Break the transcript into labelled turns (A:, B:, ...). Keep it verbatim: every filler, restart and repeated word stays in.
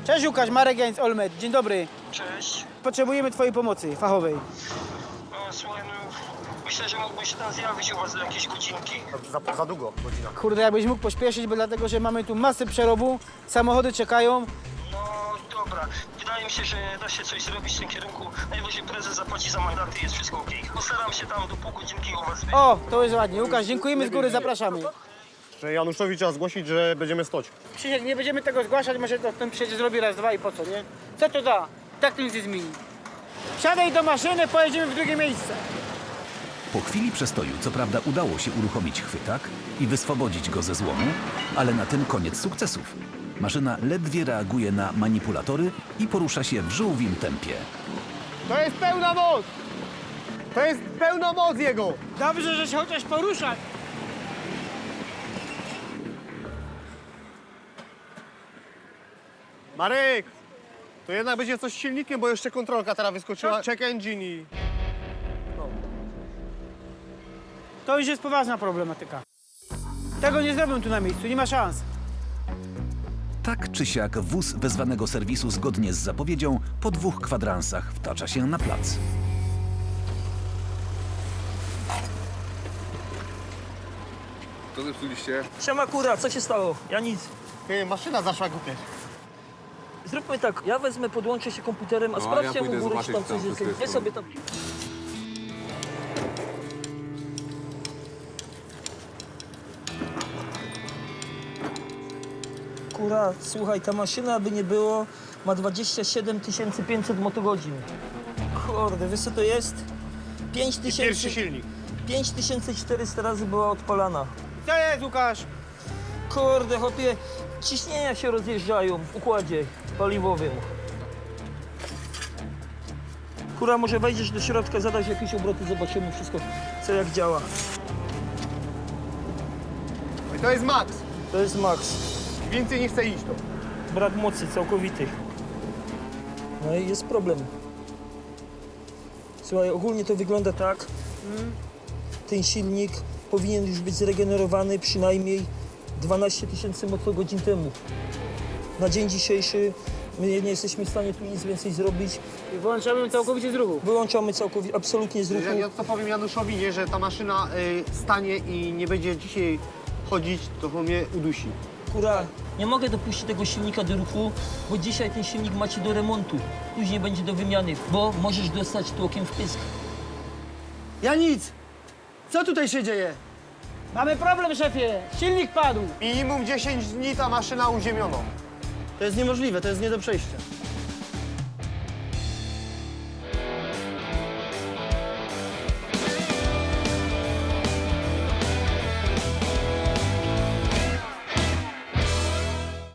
A: Cześć Łukasz, Marek Jańc, Olmet. Dzień dobry.
B: Cześć.
A: Potrzebujemy twojej pomocy fachowej.
B: No, słuchaj, no, myślę, że mógłbyś się tam zjawić u was za jakieś godzinki.
C: Za, za długo, godzina.
A: Kurde, jakbyś mógł pośpieszyć, bo dlatego, że mamy tu masę przerobu, samochody czekają.
B: No dobra, wydaje mi się, że da się coś zrobić w tym kierunku. Najwyżej prezes zapłaci za mandaty, jest wszystko okej. Postaram się tam do pół godzinki u was być.
A: O, to jest ładnie. Łukasz, dziękujemy z góry, zapraszamy.
C: Że Januszowi trzeba zgłosić, że będziemy stoć.
A: Krzysiek, nie będziemy tego zgłaszać, może to ten przecież zrobi raz, dwa i po co, nie? Co to da? Tak to nic nie zmieni. Wsiadaj do maszyny, pojedziemy w drugie miejsce.
D: Po chwili przestoju, co prawda, udało się uruchomić chwytak i wyswobodzić go ze złomu, ale na tym koniec sukcesów. Maszyna ledwie reaguje na manipulatory i porusza się w żółwim tempie.
C: To jest pełna moc! To jest pełna moc jego!
A: Dobrze, że się chociaż porusza.
C: Marek! To jednak będzie coś z silnikiem, bo jeszcze kontrolka teraz wyskoczyła. Check engine i...
A: To już jest poważna problematyka. Tego nie zrobią tu na miejscu, nie ma szans.
D: Tak czy siak wóz wezwanego serwisu zgodnie z zapowiedzią po dwóch kwadransach wtacza się na plac.
E: Co zepsuliście?
F: Siema kura, co się stało? Ja nic.
C: Ty, maszyna zaszła głupie.
F: Zróbmy tak, ja wezmę, podłączę się komputerem, a
E: No, a
F: sprawdźcie
E: ja
F: mu
E: pójdę
F: górę, czy tam
E: zobaczyć,
F: coś
E: tam
F: jest.
E: wszystko
F: Wy
E: jest
F: sobie tam... Kura, słuchaj, ta maszyna, by nie było, ma dwadzieścia siedem tysięcy pięćset motogodzin. Kurde, wiesz co to jest? pięć
C: Pierwszy
F: tysięcy...
C: silnik.
F: pięć tysięcy czterysta razy była odpalana.
A: Co jest, Łukasz?
F: Kurde, chłopie, ciśnienia się rozjeżdżają w układzie paliwowym. Kura, może wejdziesz do środka, zadać jakieś obroty, zobaczymy wszystko, co jak działa.
C: I to jest max.
F: To jest max.
C: Więcej nie chce iść to.
F: Brak mocy całkowity. No i jest problem. Słuchaj, ogólnie to wygląda tak. Ten silnik powinien już być zregenerowany przynajmniej dwanaście tysięcy motogodzin temu. Na dzień dzisiejszy my nie jesteśmy w stanie tu nic więcej zrobić.
A: I wyłączamy ją całkowicie z ruchu.
F: Wyłączamy całkowicie, absolutnie z ruchu.
C: Ja, ja to powiem Januszowi, nie, że ta maszyna y, stanie i nie będzie dzisiaj chodzić, to on mnie udusi.
F: Kura, nie mogę dopuścić tego silnika do ruchu, bo dzisiaj ten silnik macie do remontu. Później będzie do wymiany, bo możesz dostać tłokiem w pysk.
A: Ja nic. Co tutaj się dzieje? Mamy problem, szefie. Silnik padł.
C: Minimum dziesięć dni ta maszyna uziemiono.
A: To jest niemożliwe, to jest nie do przejścia.